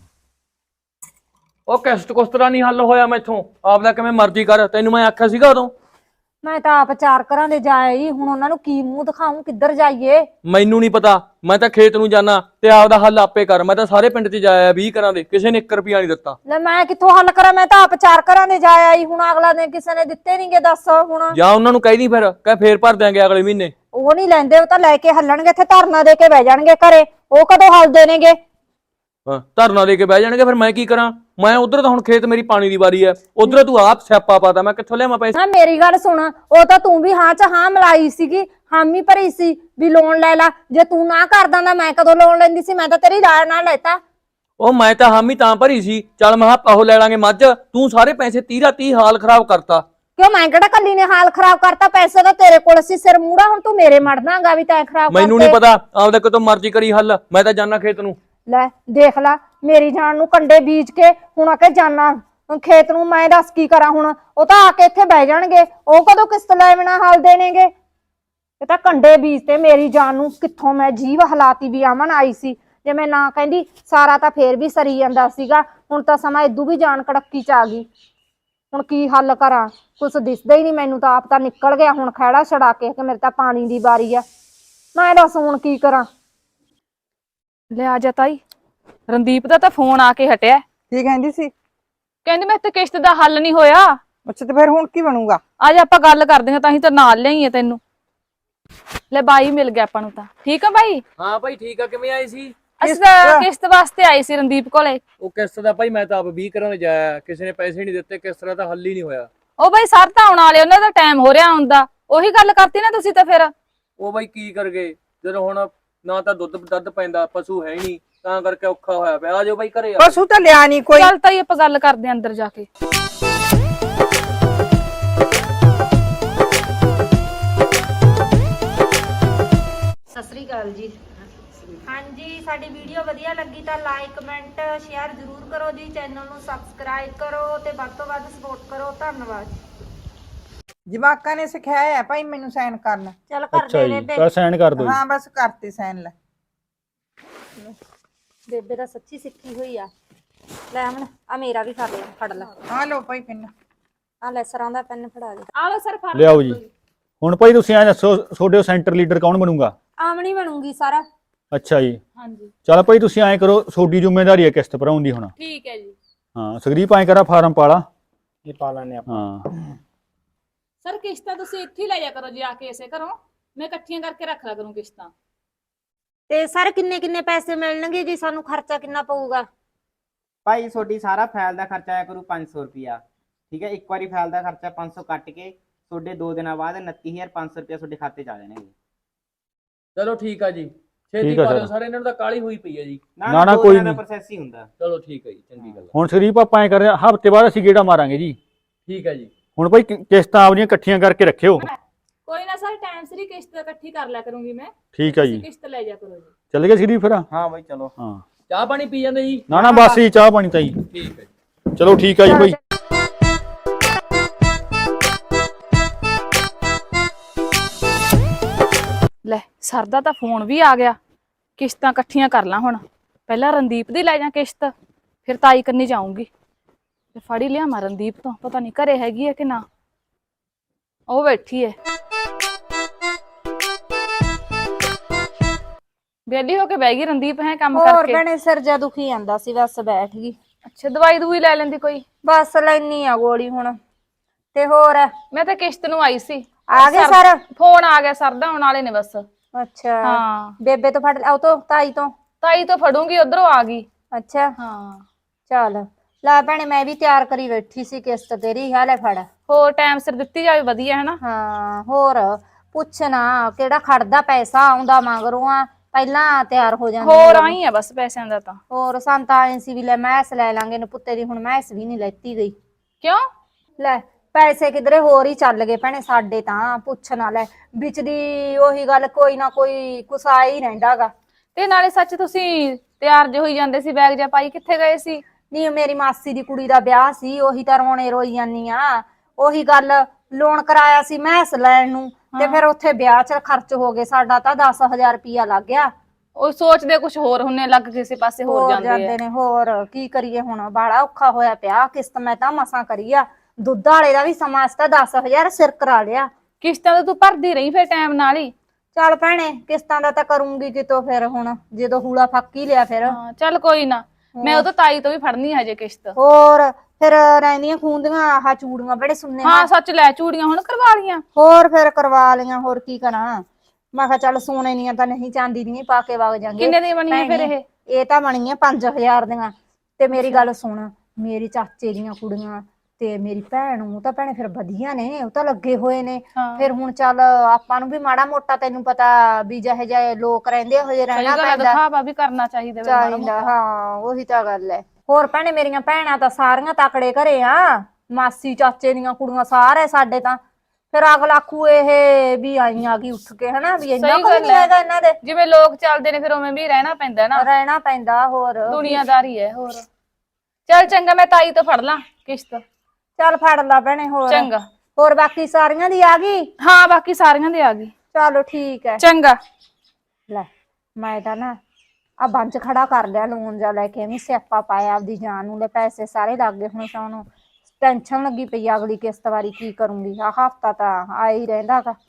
ਉਹ ਕਿਸ਼ਤ ਕੁਸ਼ਤ ਦਾ ਨਹੀਂ ਹੱਲ ਹੋਇਆ ਮੈਥੋਂ, ਆਪਦਾ ਕਿਵੇਂ ਮਰਜ਼ੀ ਕਰ, ਤੈਨੂੰ ਮੈਂ ਆਖਿਆ ਸੀਗਾ ਉਦੋਂ। ਮੈਂ ਤਾਂ ਆਪ 4 ਘਰਾਂ ਦੇ ਜਾ ਆਈ, ਹੁਣ ਉਹਨਾਂ ਨੂੰ ਕੀ ਮੂੰਹ ਦਿਖਾऊं, ਕਿੱਧਰ ਜਾਈਏ? ਮੈਨੂੰ ਨਹੀਂ ਪਤਾ, ਮੈਂ ਤਾਂ ਖੇਤ ਨੂੰ ਜਾਣਾ ਤੇ ਆਪਦਾ ਹੱਲ ਆਪੇ ਕਰ। ਮੈਂ ਤਾਂ ਸਾਰੇ ਪਿੰਡ 'ਚ ਜਾਇਆ 20 ਘਰਾਂ ਦੇ, ਕਿਸੇ ਨੇ 1 ਰੁਪਿਆ ਨਹੀਂ ਦਿੱਤਾ। ਲੈ ਮੈਂ ਕਿੱਥੋਂ ਹੱਲ ਕਰਾਂ, ਮੈਂ ਤਾਂ ਆਪ 4 ਘਰਾਂ ਦੇ ਜਾ ਆਈ, ਹੁਣ ਅਗਲਾ ਨੇ ਕਿਸੇ ਨੇ ਦਿੱਤੇ ਨਹੀਂਗੇ, ਦੱਸ ਹੁਣ। ਜਾਂ ਉਹਨਾਂ ਨੂੰ ਕਹਿ ਦੀ ਫਿਰ, ਕਹਿ ਫੇਰ ਭਰ ਦਿਆਂਗੇ ਅਗਲੇ ਮਹੀਨੇ। ਉਹ ਨਹੀਂ ਲੈਂਦੇ, ਉਹ ਤਾਂ ਲੈ ਕੇ ਹੱਲਣਗੇ, ਇੱਥੇ ਧਰਨਾ ਦੇ ਕੇ ਬਹਿ ਜਾਣਗੇ ਘਰੇ, ਉਹ ਕਦੋਂ ਹੱਲਦੇ ਨੇਗੇ? ਹਾਂ, ਧਰਨਾ ਦੇ ਕੇ ਬਹਿ ਜਾਣਗੇ, ਫਿਰ ਮੈਂ ਕੀ ਕਰਾਂ? ਮੈਂ ਉਧਰ ਤਾਂ ਹੁਣ ਖੇਤ ਮੇਰੀ ਪਾਣੀ ਦੀ ਵਾਰੀ ਐ, ਉਧਰ ਤੂੰ ਆਪ ਸਿਆਪਾ ਪਾਤਾ, ਮੈਂ ਕਿੱਥੋਂ ਲਿਆਵਾਂ ਪੈਸੇ? ਨਾ ਮੇਰੀ ਗੱਲ ਸੁਣ, ਉਹ ਤਾਂ ਤੂੰ ਵੀ ਹਾਂ ਚ ਹਾਂ ਮਿਲਾਈ ਸੀਗੀ, ਹਾਮੀ ਭਰੀ ਸੀ ਵੀ ਲੋਨ ਲੈ ਲਾ। ਜੇ ਤੂੰ ਨਾ ਕਰਦਾ ਤਾਂ ਮੈਂ ਕਦੋਂ ਲੋਨ ਲੈਂਦੀ ਸੀ? ਮੈਂ ਤਾਂ ਤੇਰੀ ਰਾਏ ਨਾਲ ਲੈਤਾ। ਉਹ ਮੈਂ ਤਾਂ ਹਾਮੀ ਤਾਂ ਭਰੀ ਸੀ, ਚੱਲ ਮੈਂ ਕਿਹਾ ਉਹ ਲੈ ਲਾਂਗੇ ਮੱਝ, ਤੂੰ ਸਾਰੇ ਪੈਸੇ 30 ਹਾਲ ਖਰਾਬ ਕਰਤਾ। ਕਿਉਂ ਮੈਂ ਕਿਹੜਾ ਕੱਲੀ ਨੇ ਹਾਲ ਖਰਾਬ ਕਰਤਾ? ਪੈਸੇ ਤਾਂ ਤੇਰੇ ਕੋਲ ਸੀ, ਸਿਰ ਮੂੜਾ, ਹੁਣ ਤੂੰ ਮੇਰੇ ਮੜਦਾਂਗਾ ਵੀ ਤੈਂ ਖਰਾਬ ਮੈਨੂੰ ਨਹੀਂ ਪਤਾ, ਆਪਦਾ ਕਿਤੋਂ ਮਰਜ਼ੀ ਕਰੀ ਹੱਲ, ਮੈਂ ਤਾਂ ਜਾਣਾ ਖੇਤ ਨੂੰ। ਲੈ ਦੇਖ ਲਾ, ਮੇਰੀ ਜਾਨ ਨੂੰ ਕੰਡੇ ਬੀਜ ਕੇ ਹੁਣ ਆ ਕੇ ਜਾਨਾ ਖੇਤ ਨੂੰ, ਮੈਂ ਦੱਸ ਕੀ ਕਰਾਂ ਹੁਣ? ਉਹ ਤਾਂ ਆ ਕੇ ਇੱਥੇ ਬਹਿ ਜਾਣਗੇ, ਉਹ ਕਦੋਂ ਕਿਸ਼ਤ ਲੈ ਬਿਨਾ ਹੱਲ ਦੇਣਗੇ? ਇਹ ਤਾਂ ਕੰਡੇ ਬੀਜ ਤੇ ਮੇਰੀ ਜਾਨ ਨੂੰ, ਕਿੱਥੋਂ ਮੈਂ ਜੀਵ ਹਲਾਤੀ ਵੀ ਅਮਨ ਆਈ ਸੀ। ਜੇ ਮੈਂ ਨਾ ਕਹਿੰਦੀ ਸਾਰਾ ਤਾਂ ਫੇਰ ਵੀ ਸਰੀ ਜਾਂਦਾ ਸੀਗਾ, ਹੁਣ ਤਾਂ ਸਮਾਂ ਇਦੂ ਵੀ ਜਾਨ ਕੜੱਕੀ ਚ ਆ ਗਈ। ਹੁਣ ਕੀ ਹੱਲ ਕਰਾਂ? ਕੁਛ ਦਿਸਦਾ ਹੀ ਨਹੀਂ ਮੈਨੂੰ ਤਾਂ, ਆਪ ਤਾਂ ਨਿਕਲ ਗਿਆ ਹੁਣ ਖਹਿੜਾ ਛਡਾ ਕੇ ਕਿ ਮੇਰੇ ਤਾਂ ਪਾਣੀ ਦੀ ਵਾਰੀ ਆ। ਮੈਂ ਦੱਸ ਹੁਣ ਕੀ ਕਰਾਂ? ਲੈ ਆ ਜਾ ਤਾਈ, ਰਣਦੀਪ ਦਾ ਤਾਂ ਫੋਨ ਆ ਕੇ ਹਟਿਆ, ਕੀ ਕਹਿੰਦੀ ਸੀ? ਕਹਿੰਦੀ ਮੈਂ ਤੇ ਕਿਸ਼ਤ ਦਾ ਹੱਲ ਨਹੀਂ ਹੋਇਆ। ਅੱਛਾ, ਤੇ ਫਿਰ ਹੁਣ ਕੀ ਬਣੂਗਾ? ਅੱਜ ਆਪਾਂ ਗੱਲ ਕਰਦੇ ਹਾਂ, ਤਾਂ ਹੀ ਤਾਂ ਨਾਲ ਲਿਆਈਏ ਤੈਨੂੰ। ਲੈ ਬਾਈ ਮਿਲ ਗਿਆ ਆਪਾਂ ਨੂੰ ਤਾਂ। ਠੀਕ ਆ ਬਾਈ? ਹਾਂ ਭਾਈ ਠੀਕ ਆ, ਕਿਵੇਂ ਆਏ ਸੀ? ਅਸੀਂ ਤਾਂ ਕਿਸ਼ਤ ਵਾਸਤੇ ਆਏ ਸੀ ਰਣਦੀਪ ਕੋਲੇ। ਉਹ ਕਿਸ਼ਤ ਦਾ ਭਾਈ ਮੈਂ ਤਾਂ ਆਪ 20 ਘਰਾਂ ਦੇ ਜਾਇਆ, ਕਿਸੇ ਨੇ ਪੈਸੇ ਨਹੀਂ ਦਿੱਤੇ, ਕਿਸ਼ਤ ਦਾ ਤਾਂ ਹੱਲ ਹੀ ਨਹੀਂ ਹੋਇਆ। ਉਹ ਬਾਈ ਸਰ ਤਾਂ ਆਉਣ ਵਾਲੇ, ਉਹਨਾਂ ਦਾ ਟਾਈਮ ਹੋ ਰਿਹਾ ਹੁੰਦਾ। ਉਹੀ ਗੱਲ ਕਰਤੀ ਨਾ ਤੁਸੀਂ ਤਾਂ ਫਿਰ। ਉਹ ਬਾਈ ਕੀ ਕਰ ਗਏ, ਜਦੋਂ ਹੁਣ ਨਾ ਤਾਂ ਦੁੱਧ ਪੈਂਦਾ, ਪਸ਼ੂ ਹੈ ਨਹੀਂ, ਤਾਂ ਕਰਕੇ ਔਖਾ ਹੋਇਆ ਪਿਆ। ਆ ਜਾਓ ਬਾਈ ਘਰੇ। ਪਸ਼ੂ ਤਾਂ ਲਿਆ ਨਹੀਂ ਕੋਈ। ਚੱਲ ਤਾਈ ਆਪਾਂ ਗੱਲ ਕਰਦੇ ਆਂ ਅੰਦਰ ਜਾ ਕੇ। ਸਤਿ ਸ੍ਰੀ ਅਕਾਲ ਜੀ। ਹਾਂਜੀ, ਸਾਡੀ ਵੀਡੀਓ ਵਧੀਆ ਲੱਗੀ ਤਾਂ ਲਾਈਕ ਕਮੈਂਟ ਸ਼ੇਅਰ ਜ਼ਰੂਰ ਕਰੋ ਜੀ, ਚੈਨਲ ਨੂੰ ਸਬਸਕ੍ਰਾਈਬ ਕਰੋ ਤੇ ਵੱਧ ਤੋਂ ਵੱਧ ਸਪੋਰਟ ਕਰੋ। ਧੰਨਵਾਦ। ਜਵਾਕਾਂ ਨੇ ਸਿਖਾਇਆ ਹੈ ਭਾਈ ਮੈਨੂੰ ਸਾਈਨ ਕਰਨਾ। ਚੱਲ ਕਰ ਅੱਛਾ ਦੇ ਜੀ, ਬੇਬੇ। ਤਾਂ ਸਾਈਨ ਕਰ ਦਿਓ ਜੀ। ਹਾਂ ਬਸ ਕਰਤੇ ਸਾਈਨ ਲੈ। ਬੇਬੇ ਤਾਂ ਸੱਚੀ ਸਿੱਖੀ ਹੋਈ ਆ। ਲੈ ਅਮਨ ਆ ਮੇਰਾ ਵੀ ਕਰ ਲਿਆ, ਫੜ ਲੈ। ਆ ਲਓ ਭਾਈ ਪਿੰਨ। ਆ ਲੈ ਸਰਾਂ ਦਾ ਪੈਨ ਫੜਾ ਦੇ। ਆ ਲਓ ਸਰ ਫੜ ਲਿਆਓ ਜੀ। ਹੁਣ ਭਾਈ ਤੁਸੀਂ ਐ ਦੱਸੋ ਤੁਹਾਡੇ ਸੈਂਟਰ ਲੀਡਰ ਕੌਣ ਬਣੂਗਾ? ਆਮਣੀ ਬਣੂਗੀ ਸਾਰਾ। ਅੱਛਾ ਜੀ, ਹਾਂਜੀ ਚਲ ਭਾਈ ਤੁਸੀਂ ਐਂ ਕਰੋ, ਤੁਹਾਡੀ ਜ਼ਿੰਮੇਵਾਰੀ ਹੈ ਕਿਸ਼ਤ ਭਰਾਉਣ ਦੀ ਹੁਣ। ਠੀਕ ਹੈ ਜੀ। ਹਾਂ ਸੁਖਦੀਪ ਐਂ ਕਰਾ ਫਾਰਮ ਪਾਲਾ। ਇਹ ਪਾ ਲੈਣੇ ਆਪਾਂ। ਹਾਂ ਸਰ ਕਿਸ਼ਤਾਂ ਤੁਸੀਂ ਇੱਥੇ ਹੀ ਲੈ ਜਾ ਕਰੋ ਜੀ, ਆ ਕੇ ਇਸੇ ਘਰੋਂ ਮੈਂ ਇਕੱਠੀਆਂ ਕਰਕੇ ਰੱਖ ਲਿਆ ਕਰੂੰ ਕਿਸ਼ਤਾਂ। ਤੇ ਸਰ ਕਿੰਨੇ ਕਿੰਨੇ ਪੈਸੇ ਮਿਲਣਗੇ ਜੀ? ਸਾਨੂੰ ਖਰਚਾ ਕਿੰਨਾ ਪਊਗਾ? ਭਾਈ ਤੁਹਾਡੀ ਸਾਰਾ ਫਾਈਲ ਦਾ ਖਰਚਾ ਆਇਆ ਕਰੂ 500 ਰੁਪਿਆ। ਠੀਕ ਹੈ, ਇੱਕ ਵਾਰੀ ਫਾਈਲ ਦਾ ਖਰਚਾ 500 ਕੱਟ ਕੇ ਤੁਹਾਡੇ 2 ਦਿਨਾਂ ਬਾਅਦ 29500 ਰੁਪਿਆ ਤੁਹਾਡੇ ਖਾਤੇ 'ਚ ਆ ਜਾਣਗੇ। ਚਲੋ ਠੀਕ ਆ ਜੀ, ਛੇਤੀ ਠੀਕ ਆ ਪਾ ਦਿਓ ਸਰ। ਸਾਰੇ, ਇਹਨਾਂ ਨੂੰ ਤਾਂ ਕਾਲੀ ਹੋਈ ਪਈ ਆ ਜੀ। ਨਾ, ਦੋ ਕੋਈ ਦਿਨਾਂ ਦਾ ਨਹੀਂ। ਪ੍ਰੋਸੈਸ ਹੀ ਹੁੰਦਾ। ਚਲੋ ਠੀਕ ਆ ਜੀ, ਚੰਗੀ ਗੱਲ ਆ। ਹੁਣ ਸੁਖਦੀਪ ਆਪਾਂ ਐਂ ਕਰਦੇ ਹਾਂ, ਹਫ਼ਤੇ ਬਾਅਦ ਅਸੀਂ ਗੇੜਾ ਮਾਰਾਂਗੇ ਜੀ। ਠੀਕ ਆ ਜੀ। ਹੁਣ ਭਾਈ ਕਿਸ਼ਤਾਂ ਆਪਣੀਆਂ ਇਕੱਠੀਆਂ ਕਰਕੇ ਰੱਖਿਓ। ਕੋਈ ਨਾ ਸਰ, ਟਾਈਮ ਸਿਰ ਹੀ ਕਿਸ਼ਤ ਇਕੱਠੀ ਕਰ ਲਿਆ ਕਰੂੰਗੀ ਮੈਂ। ਠੀਕ ਆ ਜੀ, ਤੁਸੀਂ ਕਿਸ਼ਤ ਲੈ ਜਾ ਕਰੋ ਜੀ। ਚੱਲ ਗਏ ਸੁਖਦੀਪ ਫਿਰ? ਹਾਂ ਬਾਈ ਚਲੋ। ਹਾਂ ਚਾਹ ਪਾਣੀ ਪੀ ਜਾਂਦੇ ਜੀ? ਨਾ ਬਸ ਜੀ, ਚਾਹ ਪਾਣੀ ਤਾਂ ਜੀ। ਠੀਕ ਹੈ ਜੀ। ਚਲੋ ਠੀਕ ਆ ਜੀ ਭਾਈ। ਲੈ ਸਰ ਦਾ ਤਾਂ ਫੋਨ ਵੀ ਆ ਗਿਆ। ਕਿਸ਼ਤਾਂ ਇਕੱਠੀਆਂ ਕਰ ਲਾਂ ਹੁਣ। ਪਹਿਲਾਂ ਰਣਦੀਪ ਦੀ ਲੈ ਜਾ ਕਿਸ਼ਤ, ਫਿਰ ਤਾਈ ਕੰਨੀ ਜਾਊਂਗੀ ਤੇ ਫੜੀ ਲਿਆਵਾਂ ਰਣਦੀਪ ਤੋਂ। ਪਤਾ ਨਹੀਂ ਘਰੇ ਹੈਗੀ ਹੈ ਕਿ ਨਾ। ਉਹ ਬੈਠੀ ਹੈ ਵਿਹਲੀ ਹੋ ਕੇ ਬਹਿ ਗਈ ਰਣਦੀਪ ਹੈ ਕੰਮ ਹੋਰ ਕਰਕੇ। ਭੈਣੇ ਸਿਰ ਜਾ ਦੁਖੀ ਜਾਂਦਾ ਸੀ, ਬਸ ਬੈਠ ਗਈ। ਅੱਛਾ ਦਵਾਈ ਦੂਈ ਲੈ ਲੈਂਦੀ ਕੋਈ। ਬਸ ਲੈਣੀ ਆ ਗੋਲੀ ਹੁਣ। ਤੇ ਹੋਰ ਮੈਂ ਤਾਂ ਕਿਸ਼ਤ ਨੂੰ ਆਈ ਸੀ। ਆ ਗਏ ਸਰ? ਫੋਨ ਆ ਗਿਆ ਸਰ ਦਾ, ਆਉਣ ਵਾਲੇ ਨੇ ਬਸ। ਅੱਛਾ ਹਾਂ ਬੇਬੇ ਤੋਂ ਫੜ ਉਹ ਤੋਂ ਤਾਈ ਤੋਂ? ਤਾਈ ਤੋਂ ਫੜੂੰਗੀ, ਉਧਰੋਂ ਆ ਗਈ। ਅੱਛਾ ਹਾਂ ਚੱਲ ਲੈ ਭੈਣੇ, ਮੈਂ ਵੀ ਤਿਆਰ ਕਰੀ ਬੈਠੀ ਸੀ ਕਿਸ਼ਤ ਤੇਰੀ। ਹਾਲੇ ਫੜ। ਹੋਰ ਟਾਈਮ ਸਿਰ ਦਿੱਤੀ ਜਾਵੇ ਵਧੀਆ ਹੈ ਨਾ। ਹਾਂ ਹੋਰ ਪੁੱਛਣਾ ਕਿਹੜਾ ਖੜਦਾ, ਪੈਸਾ ਆਉਂਦਾ ਮਗਰੋਂ ਆ, ਪਹਿਲਾਂ ਤਿਆਰ ਹੋ ਜਾਂਦੇ ਹੋਰ ਲੋਕ। ਆਈ ਆ ਬਸ ਪੈਸਿਆਂ ਦਾ ਤਾਂ। ਹੋਰ ਸੰਤਾ ਆਏ ਸੀ ਵੀ ਲੈ ਮੈਸ ਲੈ ਲਾਂਗੇ ਨੇ ਪੁੱਤੇ ਦੀ, ਹੁਣ ਮੈਸ ਵੀ ਨਹੀਂ ਲੈਤੀ ਗਈ। ਕਿਉਂ? ਲੈ ਪੈਸੇ ਕਿਧਰੇ ਹੋਰ ਹੀ ਚੱਲ ਗਏ ਭੈਣੇ ਸਾਡੇ ਤਾਂ। ਪੁੱਛ ਨਾ ਲੈ, ਵਿੱਚ ਦੀ ਉਹੀ ਗੱਲ, ਕੋਈ ਨਾ ਕੋਈ ਕੁਸਾ ਹੀ ਰਹਿੰਦਾਗਾ। ਤੇ ਨਾਲੇ ਸੱਚ ਤੁਸੀਂ ਤਿਆਰ ਜੇ ਹੋਈ ਜਾਂਦੇ ਸੀ, ਬੈਗ ਜਾਂ ਪਾਈ ਕਿੱਥੇ ਗਏ ਸੀ? ਨਹੀਂ ਮੇਰੀ ਮਾਸੀ ਦੀ ਕੁੜੀ ਦਾ ਵਿਆਹ ਸੀ, ਉਹੀ ਤਾਂ ਰੋਣੇ ਰੋਈ ਜਾਨੀ ਆ। ਉਹੀ ਗੱਲ, ਲੋਨ ਕਰਾਇਆ ਸੀ ਮੈਸ ਲੈਣ ਨੂੰ, ਤੇ ਫਿਰ ਉੱਥੇ ਵਿਆਹ 'ਚ ਖਰਚ ਹੋ ਗਏ। ਸਾਡਾ ਤਾਂ 10,000 ਰੁਪਇਆ ਲੱਗ ਗਿਆ। ਉਹ ਸੋਚਦੇ ਕੁਝ ਹੋਰ ਹੁੰਨੇ, ਲੱਗ ਕਿਸੇ ਪਾਸੇ ਹੋਰ ਜਾਂਦੇ ਆ। ਨੇ। ਹੋਰ ਕੀ ਕਰੀਏ ਹੁਣ, ਬਾੜਾ ਔਖਾ ਹੋਇਆ ਪਿਆ। ਕਿਸ਼ਤ ਮੈਂ ਤਾਂ ਮਸਾਂ ਕਰੀ ਆ, ਦੁੱਧ ਵਾਲੇ ਦਾ ਵੀ ਸਮਾਂ ਤਾਂ 10,000 ਸਿਰ ਕਰਾ ਲਿਆ। ਕਿਸ਼ਤਾਂ ਤਾਂ ਤੂੰ ਭਰਦੀ ਰਹੀ ਫਿਰ ਟਾਈਮ ਨਾਲ ਹੀ। ਚੱਲ ਭੈਣੇ ਕਿਸ਼ਤਾਂ ਦਾ ਤਾਂ ਕਰੂੰਗੀ ਕਿਤੋਂ, ਫਿਰ ਹੁਣ ਜਦੋਂ ਹੂਲਾ ਫੱਕ ਹੀ ਲਿਆ ਫਿਰ। ਹਾਂ ਚੱਲ ਕੋਈ ਨਾ, ਮੈਂ ਉਹ ਤਾਂ ਤਾਈ ਤੋਂ ਵੀ ਫੜਨੀ ਹਜੇ ਕਿਸ਼ਤ। ਹੋਰ ਫਿਰ ਰਹਿੰਦੀਆਂ ਖੂੰਦੀਆਂ ਆਹ ਚੂੜੀਆਂ ਬੜੇ ਸੁਣਨੇ। ਹਾਂ ਸੱਚ, ਲੈ ਚੂੜੀਆਂ ਹੁਣ ਕਰਵਾ ਲੀਆਂ। ਹੋਰ ਫਿਰ ਕਰਵਾ ਲਈਆਂ, ਹੋਰ ਕੀ ਕਰਾਂ। ਮੈਂ ਕਿਹਾ ਚੱਲ ਸੋਨੇ ਦੀਆਂ ਤਾਂ ਨਹੀਂ, ਚਾਂਦੀ ਦੀਆਂ ਹੀ ਪਾ ਕੇ ਵਗ ਜਾਂਗੇ। ਕਿੰਨੇ ਦੀਆਂ ਬਣੀਆਂ ਫਿਰ ਇਹ? ਇਹ ਤਾਂ ਬਣੀਆਂ 5,000 ਦੀਆਂ। ਤੇ ਮੇਰੀ ਗੱਲ ਸੁਣ, ਮੇਰੇ ਚਾਚੇ ਦੀਆਂ ਕੁੜੀਆਂ ਤੇ ਮੇਰੀ ਭੈਣ ਨੂੰ ਤਾਂ ਭੈਣੇ ਫਿਰ ਵਧੀਆ ਨੇ, ਉਹ ਤਾਂ ਲੱਗੇ ਹੋਏ ਨੇ। ਫਿਰ ਹੁਣ ਚੱਲ ਆਪਾਂ ਨੂੰ ਵੀ ਮਾੜਾ ਮੋਟਾ, ਤੈਨੂੰ ਪਤਾ ਵੀ ਜਿਹੇ ਜਿਹੇ ਲੋਕ ਰਹਿੰਦੇ ਹੋ ਜੇ ਰਹਿਣਾ ਪੈਂਦਾ। ਦਿਖਾਵਾ ਵੀ ਕਰਨਾ ਚਾਹੀਦਾ ਵੇ ਮਾੜਾ ਮੋਟਾ। ਹਾਂ ਉਹੀ ਤਾਂ ਗੱਲ ਹੈ। ਹੋਰ ਭੈਣੇ ਮੇਰੀਆਂ ਭੈਣਾਂ ਤਾਂ ਸਾਰੀਆਂ ਤਕੜੇ ਘਰੇ ਆ। ਮਾਸੀ ਚਾਚੇ ਦੀਆਂ ਕੁੜੀਆਂ ਸਾਰੇ ਸਾਡੇ ਤਾਂ। ਫਿਰ ਅਗਲਾ ਆਖੂ ਇਹ ਵੀ ਆਈ ਆ ਗਈ ਉੱਠ ਕੇ, ਹਨਾ ਵੀ ਇੰਨਾ ਕੋਈ ਨਹੀਂ ਹੈਗਾ ਇਹਨਾਂ ਦੇ। ਜਿਵੇਂ ਲੋਕ ਚੱਲਦੇ ਨੇ ਫਿਰ ਉਵੇਂ ਵੀ ਰਹਿਣਾ ਪੈਂਦਾ ਨਾ। ਰਹਿਣਾ ਪੈਂਦਾ ਹੋਰ। ਦੁਨੀਆਦਾਰੀ ਹੈ ਹੋਰ। ਚੱਲ ਚੰਗਾ, ਮੈਂ ਤਾਈ ਤੋਂ ਫੜ ਲਾਂ ਕਿਸ਼ਤ। ਚੱਲ ਫੜ ਲਾ ਭੈਣੇ। ਹੋਰ ਚੰਗਾ। ਹੋਰ ਬਾਕੀ ਸਾਰੀਆਂ ਦੀ ਆ ਗਈ? ਹਾਂ ਬਾਕੀ ਸਾਰੀਆਂ ਦੇ ਆ ਗਈ। ਚਲੋ ਠੀਕ ਹੈ। ਚੰਗਾ। ਲੈ ਮੈਂ ਤਾਂ ਨਾ ਆ ਬੰਚ ਖੜਾ ਕਰ ਲਿਆ, ਲੋਨ ਜਾ ਲੈ ਕੇ। ਐਵੇਂ ਸਿਆਪਾ ਪਾਇਆ ਆਪਦੀ ਜਾਨ ਨੂੰ। ਲੈ ਪੈਸੇ ਸਾਰੇ ਲੱਗ ਗਏ। ਹੁਣ ਸਾਨੂੰ ਟੈਨਸ਼ਨ ਲੱਗੀ ਪਈ ਅਗਲੀ ਕਿਸ਼ਤ ਵਾਰੀ ਕੀ ਕਰੂੰਗੀ। ਆ ਹਫਤਾ ਤਾਂ ਆ ਹੀ ਰਹਿੰਦਾ ਗਾ।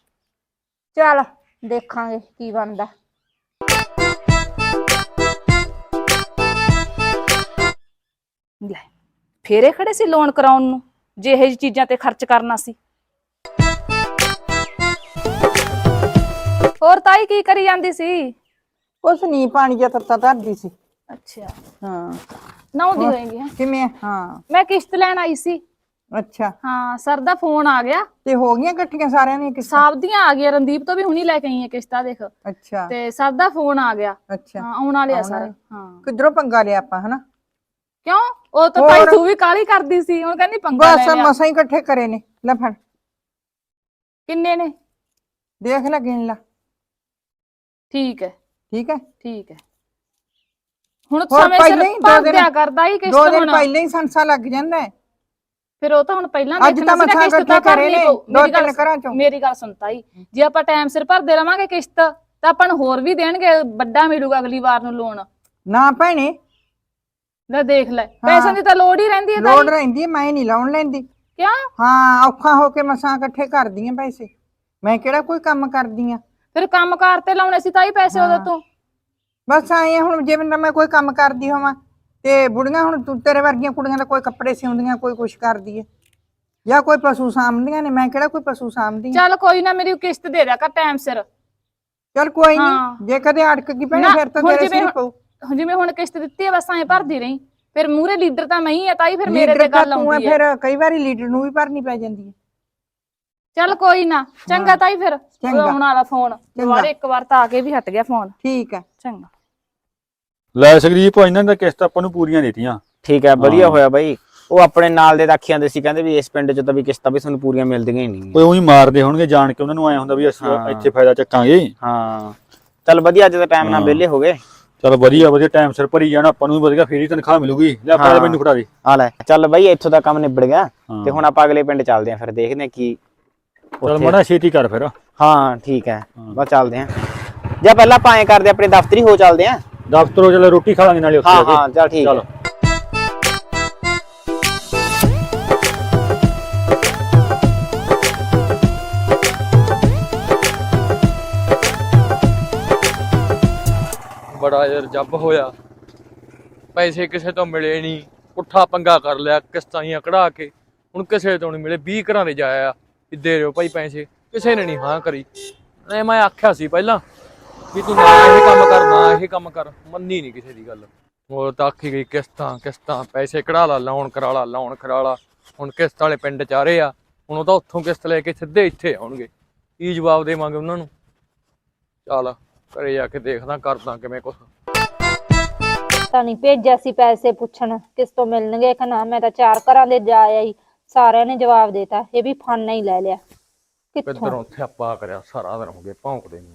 ਚੱਲ ਦੇਖਾਂਗੇ ਕੀ ਬਣਦਾ। ਲੈ ਫੇਰੇ ਖੜੇ ਸੀ ਲੋਨ ਕਰਾਉਣ ਨੂੰ, ਜੇ ਇਹ ਚੀਜ਼ਾਂ ਤੇ ਖਰਚ ਕਰਨਾ ਸੀ। ਹੋਰ ਤਾਈ ਕੀ ਕਰੀ ਜਾਂਦੀ ਸੀ? ਕੁਛ ਨਹੀਂ, ਪਾਣੀ ਜਿਹਾ ਤੱਤਾ ਧਰਦੀ ਸੀ। ਅੱਛਾ ਹਾਂ ਨਹਾਉਂਦੀ ਹੋਏਗੀ। ਹੈਂ? ਕਿਵੇਂ? ਹਾਂ ਮੈਂ ਕਿਸ਼ਤ ਲੈਣ ਆਈ ਸੀ। ਅੱਛਾ, ਹਾਂ ਸਰ ਦਾ ਫੋਨ ਆ ਗਿਆ। ਤੇ ਹੋ ਗਈਆਂ ਇਕੱਠੀਆਂ ਸਾਰਿਆਂ ਦੀਆਂ ਕਿਸ਼ਤਾਂ? ਸਭ ਦੀਆਂ ਆ ਗਈਆਂ, ਰਣਦੀਪ ਤੋਂ ਵੀ ਹੁਣੀ ਲੈ ਕੇ ਆਈ ਹੈ ਕਿਸ਼ਤਾਂ ਦੇਖ। ਅੱਛਾ ਤੇ ਸਰ ਦਾ ਫੋਨ ਆ ਗਿਆ। ਅੱਛਾ, ਹਾਂ ਆਉਣ ਵਾਲੇ ਆ ਸਾਰੇ। ਹਾਂ ਕਿੱਧਰੋਂ ਪੰਗਾ ਲਿਆ ਆਪਾਂ, ਹਨਾ? ਕਿਉਂ? ਉਹ ਤਾਂ ਤਾਈ ਤੂੰ ਵੀ ਕਾਹਲੀ ਕਰਦੀ ਸੀ, ਹੁਣ ਕਹਿੰਦੀ ਪੰਗਾ ਲੈ ਬਸ ਲਿਆ। ਮਸਾਂ ਹੀ ਇਕੱਠੇ ਕਰੇ ਨੇ। ਲੈ ਫੜ, ਕਿੰਨੇ ਨੇ? ਦੇਖ ਲੈ, ਗਿਣ ਲਾ। ਠੀਕ ਹੈ ਠੀਕ ਹੈ। ਠੀਕ ਹੈ। ਹੁਣ ਹੋਰ ਸਮੇਂ ਪਹਿਲਾਂ ਸਿਰ ਹੀ ਭਰ ਦਿਆ ਕਰਦਾ ਹੀ ਕਿਸ਼ਤ 2 ਦਿਨ ਹੁਣ। ਪਹਿਲਾਂ ਹੀ ਸੰਸਾ ਲੱਗ ਜਾਂਦਾ ਹੈ। ਫਿਰ ਉਹ ਤਾਂ ਹੁਣ ਪਹਿਲਾਂ ਅੱਜ ਦੇਖਣਾ ਤਾਂ ਸੀ ਨਾ, ਮਸਾਂ ਕਿਸ਼ਤ ਤਾਂ ਇਕੱਠੇ ਕਰੇ ਭਰਨੀ ਨੇ, ਪਊ। 2-3 ਘਰਾਂ ਚੋਂ। ਮੇਰੀ ਗੱਲ ਸੁਣ ਤਾਈ, ਜੇ ਆਪਾਂ ਟਾਈਮ ਸਿਰ ਭਰਦੇ ਰਵਾਂਗੇ ਕਿਸ਼ਤ ਤਾਂ ਆਪਾਂ ਨੂੰ ਹੋਰ ਵੀ ਦੇਣਗੇ, ਵੱਡਾ ਮਿਲੂਗਾ ਅਗਲੀ ਵਾਰ ਨੂੰ ਲੋਨ। ਨਾ ਭੈਣੇ, ਲੈ ਦੇਖ ਲੈ ਪੈਸਿਆਂ ਦੀ ਤਾਂ ਲੋੜ ਹੀ ਰਹਿੰਦੀ ਹੈ ਲੋੜ ਤਾਈ। ਰਹਿੰਦੀ ਹੈ, ਮੈਂ ਨਹੀਂ ਲਾਉਣ ਲੈਂਦੀ। ਕਿਉਂ? ਹਾਂ, ਔਖਾ ਹੋ ਕੇ ਮਸਾਂ ਇਕੱਠੇ ਕਰਦੀ ਆਂ ਪੈਸੇ, ਮੈਂ ਕਿਹੜਾ ਕੋਈ ਕੰਮ ਕਰਦੀ ਆਂ। ਫਿਰ ਕੰਮਕਾਰ ਤੇ ਲਾਉਣੇ ਸੀ ਤਾਈ ਪੈਸੇ ਉਦੋਂ ਤੂੰ। ਬਸ ਆਏ ਆ ਹੁਣ, ਜਿਵੇਂ ਮੈਂ ਕੋਈ ਕੰਮ ਕਰਦੀ ਹੋਵਾਂ ਤੇ ਬੁੜੀਆਂ ਹੁਣ ਤੇਰੇ ਵਰਗੀਆਂ ਕੁੜੀਆਂ ਦਾ ਕੋਈ ਕੱਪੜੇ ਸਿਉਂਦੀਆਂ, ਕੋਈ ਕੁਛ ਕਰਦੀ ਹੈ, ਜਾਂ ਕੋਈ ਪਸ਼ੂ ਸਾਂਭਦੀਆਂ ਨੇ, ਮੈਂ ਕਿਹੜਾ ਕੋਈ ਪਸ਼ੂ ਸਾਂਭਦੀ। ਚੱਲ ਕੋਈ ਨਾ, ਮੇਰੀ ਕਿਸ਼ਤ ਦੇ ਦਿਆ ਕਰ ਟਾਈਮ ਸਿਰ। ਚੱਲ ਕੋਈ ਹਾਂ। ਨਹੀਂ, ਜੇ ਕਦੇ ਅੜਕ ਗਈ ਭੈਣੇ ਨਾ, ਫਿਰ ਤਾਂ ਹੁਣ ਤੇਰੇ ਜਿਵੇਂ ਸਿਰ ਪਊ। ਜਿਵੇਂ ਹੁਣ ਕਿਸ਼ਤ ਦਿੱਤੀ ਹੈ ਬਸ ਐਂ ਭਰਦੀ ਰਹੀ, ਫਿਰ ਮੂਹਰੇ ਲੀਡਰ ਤਾਂ ਮੈਂ ਹੀ ਆ ਤਾਈ, ਫਿਰ ਮੇਰੇ ਲੀਡਰ ਤੇ ਤਾਂ ਗੱਲ ਤੂੰ ਹੈ, ਆਉਂਦੀ ਹੈ। ਫਿਰ ਕਈ ਵਾਰੀ ਲੀਡਰ ਨੂੰ ਵੀ ਭਰਨੀ ਪੈ ਜਾਂਦੀ ਹੈ। ਚੱਲ ਕੋਈ ਨਾ, ਚੰਗਾ ਤਾਈ, ਫਿਰ ਚੰਗਾ। ਆਉਣ ਵਾਲਾ ਫੋਨ ਦੁਬਾਰੇ ਇੱਕ ਵਾਰ ਤਾਂ ਆ ਕੇ ਵੀ ਹਟ ਗਿਆ ਫੋਨ। ਠੀਕ ਹੈ। ਚੰਗਾ। ਲੈ ਸਕਰੀਪ ਇਹਨਾਂ ਦਾ ਕਿਸ਼ਤ ਆਪਾਂ ਨੂੰ ਪੂਰੀਆਂ ਦਿੱਤੀਆਂ। ਠੀਕ ਹੈ, ਵਧੀਆ ਹੋਇਆ ਬਾਈ। ਉਹ ਆਪਣੇ ਨਾਲ ਦੇ ਰੱਖੀ ਜਾਂਦੇ ਸੀ, ਕਹਿੰਦੇ ਵੀ ਇਸ ਪਿੰਡ 'ਚ ਤਾਂ ਵੀ ਕਿਸ਼ਤਾਂ ਵੀ ਤੁਹਾਨੂੰ ਪੂਰੀਆਂ ਮਿਲਦੀਆਂ ਹੀ ਨਹੀਂ। ਕੋਈ ਉਹੀ ਮਾਰਦੇ ਹੋਣਗੇ ਜਾਣ ਕੇ, ਉਹਨਾਂ ਨੂੰ ਐ ਹੁੰਦਾ ਵੀ ਅਸੀਂ ਇੱਥੇ ਫਾਇਦਾ ਚੱਕਾਂਗੇ। ਹਾਂ ਚੱਲ ਵਧੀਆ, ਅੱਜ ਦਾ ਟਾਈਮ ਨਾਲ ਵਿਹਲੇ ਹੋ ਗਏ। ਚਲ ਵਧੀਆ ਵਧੀਆ, ਟਾਈਮ ਸਿਰ ਭਰੀ ਜਾਣਾ, ਆਪਾਂ ਨੂੰ ਵੀ ਵਧੀਆ, ਫੇਰ ਹੀ ਤਨਖਾਹ ਮਿਲੂਗੀ। ਲੈ ਆਪਾਂ ਮੈਨੂੰ ਫੜਾ ਦੇ। ਆ ਲੈ ਚੱਲ ਬਾਈ, ਇੱਥੋਂ ਦਾ ਕੰਮ ਨਿਬੜ ਗਿਆ ਤੇ ਹੁਣ ਆਪਾਂ ਅਗਲੇ ਪਿੰਡ ਚੱਲਦੇ ਆਂ, ਫਿਰ ਦੇਖਦੇ ਆਂ ਕੀ। ਚਲ ਮੜਾ ਛੇਤੀ ਕਰ ਫਿਰ। ਹਾਂ ਠੀਕ ਹੈ, ਬਸ ਚੱਲਦੇ ਆਂ। ਜਾਂ ਪਹਿਲਾਂ ਆਪਾਂ ਐਂ ਕਰਦੇ, ਆਪਣੇ ਦਫ਼ਤਰ ਹੀ ਹੋ ਚੱਲਦੇ ਆਂ। ਦਫ਼ਤਰੋਂ ਚਲ ਰੋਟੀ ਖਾ ਲਾਂਗੇ ਨਾਲੇ ਉੱਥੇ ਹਾਂ ਜਾ ਕੇ। ਹਾਂ ਚੱਲ ਠੀਕ ਹੈ। ਬੜਾ ਯਾਰ ਜੱਬ ਹੋਇਆ, ਪੈਸੇ ਕਿਸੇ ਤੋਂ ਮਿਲੇ ਨਹੀਂ, ਪੁੱਠਾ ਪੰਗਾ ਕਰ ਲਿਆ, ਕਿਸ਼ਤਾਂ ਹੀ ਕਢਾ ਕੇ ਹੁਣ ਕਿਸੇ ਤੋਂ ਨਹੀਂ ਮਿਲੇ। 20 ਘਰਾਂ ਦੇ ਜਾਇਆ ਵੀ ਦੇ ਰਿਓ ਭਾਈ ਪੈਸੇ, ਕਿਸੇ ਨੇ ਨਹੀਂ ਹਾਂ ਕਰੀ। ਐ ਮੈਂ ਆਖਿਆ ਸੀ ਪਹਿਲਾਂ ਵੀ ਤੂੰ ਨਾ ਇਹ ਕੰਮ ਕਰ, ਨਾ ਇਹ ਕੰਮ ਕਰ, ਮੰਨੀ ਨਹੀਂ ਕਿਸੇ ਦੀ ਗੱਲ। ਹੋਰ ਤਾਂ ਆਖੀ ਗਈ ਕਿਸ਼ਤਾਂ ਕਿਸ਼ਤਾਂ, ਪੈਸੇ ਕਢਾ ਲਾ, ਲੋਨ ਕਰਾ ਲਾ, ਲੋਨ ਕਰਾ ਲਾ। ਹੁਣ ਕਿਸ਼ਤ ਵਾਲੇ ਪਿੰਡ 'ਚ ਆ ਰਹੇ ਆ, ਹੁਣ ਉਹ ਤਾਂ ਉੱਥੋਂ ਕਿਸ਼ਤ ਲੈ ਕੇ ਸਿੱਧੇ ਇੱਥੇ ਆਉਣਗੇ। ਕੀ ਜਵਾਬ ਦੇਵਾਂਗੇ ਉਹਨਾਂ ਨੂੰ? ਚੱਲ ਘਰੇ ਜਾ ਕੇ ਦੇਖਦਾ, ਕਰਦਾ ਕਿਵੇਂ ਕੁਛ। ਤਾਂ ਨਹੀਂ ਭੇਜਿਆ ਸੀ ਪੈਸੇ ਪੁੱਛਣ ਕਿਸ ਤੋਂ ਮਿਲਣਗੇ ਕਿ ਨਾ, ਮੈਂ ਤਾਂ 4 ਘਰਾਂ ਦੇ ਜਾ ਆਈ, ਸਾਰਿਆਂ ਨੇ ਜਵਾਬ ਦੇਤਾ, ਇਹ ਵੀ ਫਾਨਾ ਹੀ ਲੈ ਲਿਆ। ਕਿੱਥੋਂ ਕਿੱਧਰੋਂ ਥਿਆਪਾ ਕਰਿਆ, ਸਾਰਾ ਦਿਨ ਹੋ ਗਏ ਭੌਂਕਦੇ ਨੂੰ।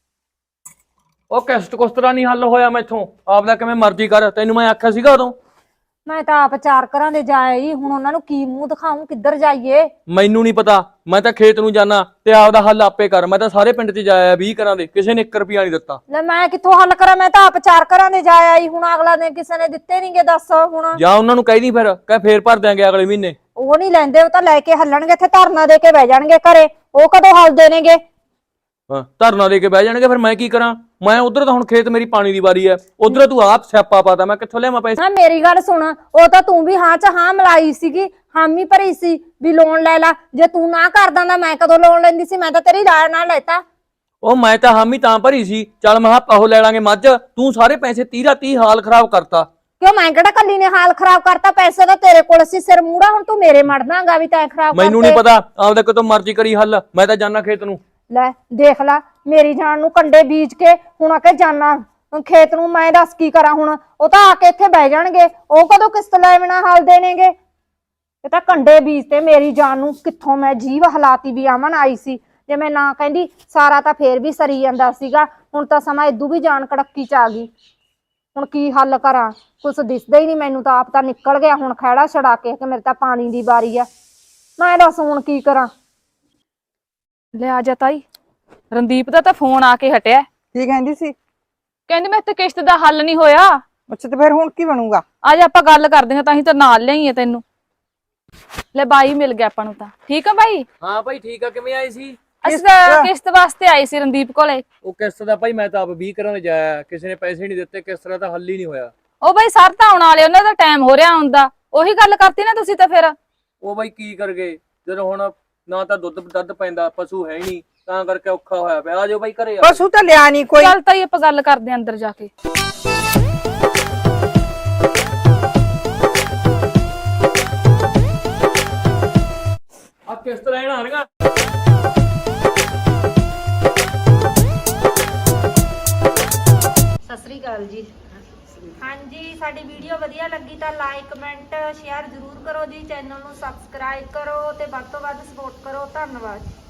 ਉਹ ਕਿਸ਼ਤ ਕੁਸਤਰਾ ਨਹੀਂ ਹੱਲ ਹੋਇਆ ਮੈਥੋਂ, ਆਪਦਾ ਕਿਵੇਂ ਮਰਜ਼ੀ ਕਰ, ਤੈਨੂੰ ਮੈਂ ਆਖਿਆ ਸੀਗਾ ਉਦੋਂ। ਮੈਂ ਤਾਂ ਆਪ 4 ਘਰਾਂ ਦੇ ਜਾ ਆਈ, ਹੁਣ ਉਹਨਾਂ ਨੂੰ ਕੀ ਮੂੰਹ ਦਿਖਾऊं, ਕਿੱਧਰ ਜਾਈਏ? ਮੈਨੂੰ ਨਹੀਂ ਪਤਾ, ਮੈਂ ਤਾਂ ਖੇਤ ਨੂੰ ਜਾਣਾ ਤੇ ਆਪਦਾ ਹੱਲ ਆਪੇ ਕਰ। ਮੈਂ ਤਾਂ ਸਾਰੇ ਪਿੰਡ 'ਚ ਜਾਇਆ 20 ਘਰਾਂ ਦੇ, ਕਿਸੇ ਨੇ 1 ਰੁਪਿਆ ਨਹੀਂ ਦਿੱਤਾ। ਲੈ ਮੈਂ ਕਿੱਥੋਂ ਹੱਲ ਕਰਾਂ, ਮੈਂ ਤਾਂ ਆਪ 4 ਘਰਾਂ ਦੇ ਜਾ ਆਈ, ਹੁਣ ਅਗਲਾ ਨੇ ਕਿਸੇ ਨੇ ਦਿੱਤੇ ਨਹੀਂਗੇ, ਦੱਸ ਹੁਣ। ਜਾਂ ਉਹਨਾਂ ਨੂੰ ਕਹਿ ਦੀ ਫਿਰ, ਕਹਿ ਫੇਰ ਭਰ ਦਿਆਂਗੇ ਅਗਲੇ ਮਹੀਨੇ। ਉਹ ਨਹੀਂ ਲੈਂਦੇ, ਉਹ ਤਾਂ ਲੈ ਕੇ ਹੱਲਣਗੇ, ਇੱਥੇ ਧਰਨਾ ਦੇ ਕੇ ਬਹਿ ਜਾਣਗੇ ਘਰੇ, ਉਹ ਕਦੋਂ ਹੱਲ ਦੇਣਗੇ? ਹਾਂ ਧਰਨਾ ਦੇ ਕੇ ਬਹਿ ਜਾਣਗੇ, ਫਿਰ ਮੈਂ ਕੀ ਕਰਾਂ? ਮੈਂ ਉਧਰ ਤਾਂ ਹੁਣ ਖੇਤ ਮੇਰੀ ਪਾਣੀ ਦੀ ਵਾਰੀ ਐ, ਉਧਰ ਤੂੰ ਆਪ ਸਿਆਪਾ ਪਾਤਾ, ਮੈਂ ਕਿੱਥੋਂ ਲਿਆਵਾਂ ਪੈਸੇ? ਨਾ ਮੇਰੀ ਗੱਲ ਸੁਣ, ਉਹ ਤਾਂ ਤੂੰ ਵੀ ਹਾਂ ਚ ਹਾਂ ਮਿਲਾਈ ਸੀਗੀ, ਹਾਮੀ ਭਰੀ ਸੀ ਵੀ ਲੋਨ ਲੈ ਲਾ। ਜੇ ਤੂੰ ਨਾ ਕਰਦਾ ਤਾਂ ਮੈਂ ਕਦੋਂ ਲੋਨ ਲੈਂਦੀ ਸੀ? ਮੈਂ ਤਾਂ ਤੇਰੀ ਰਾਏ ਨਾਲ ਲੈਤਾ। ਉਹ ਮੈਂ ਤਾਂ ਹਾਮੀ ਤਾਂ ਭਰੀ ਸੀ, ਚੱਲ ਮੈਂ ਕਿਹਾ ਉਹ ਲੈ ਲਾਂਗੇ ਮੱਝ, ਤੂੰ ਸਾਰੇ ਪੈਸੇ 30 ਹਾਲ ਖਰਾਬ ਕਰਤਾ। ਕਿਉਂ ਮੈਂ ਕਿਹੜਾ ਕੱਲੀ ਨੇ ਹਾਲ ਖਰਾਬ ਕਰਤਾ? ਪੈਸੇ ਤਾਂ ਤੇਰੇ ਕੋਲ ਸੀ, ਸਿਰ ਮੂੜਾ, ਹੁਣ ਤੂੰ ਮੇਰੇ ਮੜਨਾਗਾ ਵੀ ਤੈਂ ਖਰਾਬ ਕਰਤੇ। ਮੈਨੂੰ ਨਹੀਂ ਪਤਾ, ਆਪਦਾ ਕਿਤੋਂ ਮਰਜ਼ੀ ਕਰੀ ਹੱਲ, ਮੈਂ ਤਾਂ ਜਾਣਾ ਖੇਤ ਨੂੰ। ਲੈ ਦੇਖ ਲਾ, ਮੇਰੀ ਜਾਨ ਨੂੰ ਕੰਡੇ ਬੀਜ ਕੇ ਹੁਣ ਆ ਕੇ ਜਾਨਾ ਖੇਤ ਨੂੰ, ਮੈਂ ਦੱਸ ਕੀ ਕਰਾਂ ਹੁਣ? ਉਹ ਤਾਂ ਆ ਕੇ ਇੱਥੇ ਬਹਿ ਜਾਣਗੇ, ਉਹ ਕਦੋਂ ਕਿਸ਼ਤ ਲੈ ਬਿਨਾ ਹਾਲ ਦੇਣਗੇ? ਇਹ ਤਾਂ ਕੰਡੇ ਬੀਜ ਤੇ ਮੇਰੀ ਜਾਨ ਨੂੰ, ਕਿੱਥੋਂ ਮੈਂ ਜੀਵ ਹਲਾਤੀ ਵੀ ਆਮਨ ਆਈ ਸੀ। ਜੇ ਮੈਂ ਨਾ ਕਹਿੰਦੀ ਸਾਰਾ ਤਾਂ ਫੇਰ ਵੀ ਸਰੀ ਜਾਂਦਾ ਸੀਗਾ, ਹੁਣ ਤਾਂ ਸਮਾਂ ਇਦੂ ਵੀ ਜਾਨ ਕੜੱਕੀ ਚ ਆ ਗਈ। ਹੁਣ ਕੀ ਹੱਲ ਕਰਾਂ? ਕੁਛ ਦਿਸਦਾ ਹੀ ਨਹੀਂ ਮੈਨੂੰ ਤਾਂ, ਆਪ ਤਾਂ ਨਿਕਲ ਗਿਆ ਹੁਣ ਖਹਿੜਾ ਛੜਾ ਕੇ ਕਿ ਮੇਰੇ ਤਾਂ ਪਾਣੀ ਦੀ ਵਾਰੀ ਆ। ਮੈਂ ਦੱਸ ਹੁਣ ਕੀ ਕਰਾਂ? ਲੈ ਆ ਜਾ ਤਾਈ, ਰਣਦੀਪ ਦਾ ਤਾਂ ਫੋਨ ਆ ਕੇ ਹਟਿਆ, ਕੀ ਕਹਿੰਦੀ ਸੀ? ਕਹਿੰਦੀ ਮੈਂ ਤੇ ਕਿਸ਼ਤ ਦਾ ਹੱਲ ਨਹੀਂ ਹੋਇਆ। ਅੱਛਾ, ਤੇ ਫਿਰ ਹੁਣ ਕੀ ਬਣੂਗਾ? ਅੱਜ ਆਪਾਂ ਗੱਲ ਕਰਦੇ ਹਾਂ, ਤਾਂ ਹੀ ਤਾਂ ਨਾਲ ਲਿਆਈਏ ਤੈਨੂੰ। ਲੈ ਬਾਈ ਮਿਲ ਗਿਆ ਆਪਾਂ ਨੂੰ ਤਾਂ। ਠੀਕ ਆ ਬਾਈ? ਹਾਂ ਭਾਈ ਠੀਕ ਆ, ਕਿਵੇਂ ਆਏ ਸੀ? ਅਸੀਂ ਤਾਂ ਕਿਸ਼ਤ ਵਾਸਤੇ ਆਏ ਸੀ ਰਣਦੀਪ ਕੋਲੇ। ਉਹ ਕਿਸ਼ਤ ਦਾ ਭਾਈ ਮੈਂ ਤਾਂ ਆਪ 20 ਘਰਾਂ ਦੇ ਜਾਇਆ, ਕਿਸੇ ਨੇ ਪੈਸੇ ਨਹੀਂ ਦਿੱਤੇ, ਕਿਸ਼ਤ ਦਾ ਤਾਂ ਹੱਲ ਹੀ ਨਹੀਂ ਹੋਇਆ। ਉਹ ਬਾਈ ਸਰ ਤਾਂ ਆਉਣ ਵਾਲੇ, ਉਹਨਾਂ ਦਾ ਟਾਈਮ ਹੋ ਰਿਹਾ ਆਉਂਦਾ। ਉਹੀ ਗੱਲ ਕਰਤੀ ਨਾ ਤੁਸੀਂ ਤਾਂ ਫਿਰ। ਉਹ ਬਾਈ ਕੀ ਕਰ ਗਏ, ਜਦੋਂ ਹੁਣ ਨਾ ਤਾਂ ਦੁੱਧ ਪੈਂਦਾ, ਪਸ਼ੂ ਹੈ ਨਹੀਂ, ਤਾਂ ਕਰਕੇ ਔਖਾ ਹੋਇਆ ਪਿਆ। ਆ ਜਾਓ ਬਾਈ ਘਰੇ। ਪਸ਼ੂ ਤਾਂ ਲਿਆ ਨਹੀਂ ਕੋਈ। ਚੱਲ ਤਾਈ ਆਪਾਂ ਗੱਲ ਕਰਦੇ ਆਂ ਅੰਦਰ ਜਾ ਕੇ। ਆ ਕਿਸ਼ਤ ਲੈਣ ਆ ਰਹੀਆਂ। ਸਤਿ ਸ੍ਰੀ ਅਕਾਲ ਜੀ। ਹਾਂਜੀ, ਸਾਡੀ ਵੀਡੀਓ ਵਧੀਆ ਲੱਗੀ ਤਾਂ ਲਾਈਕ ਕਮੈਂਟ ਸ਼ੇਅਰ ਜ਼ਰੂਰ ਕਰੋ ਜੀ, ਚੈਨਲ ਨੂੰ ਸਬਸਕ੍ਰਾਈਬ ਕਰੋ ਤੇ ਵੱਧ ਤੋਂ ਵੱਧ ਸਪੋਰਟ ਕਰੋ। ਧੰਨਵਾਦ।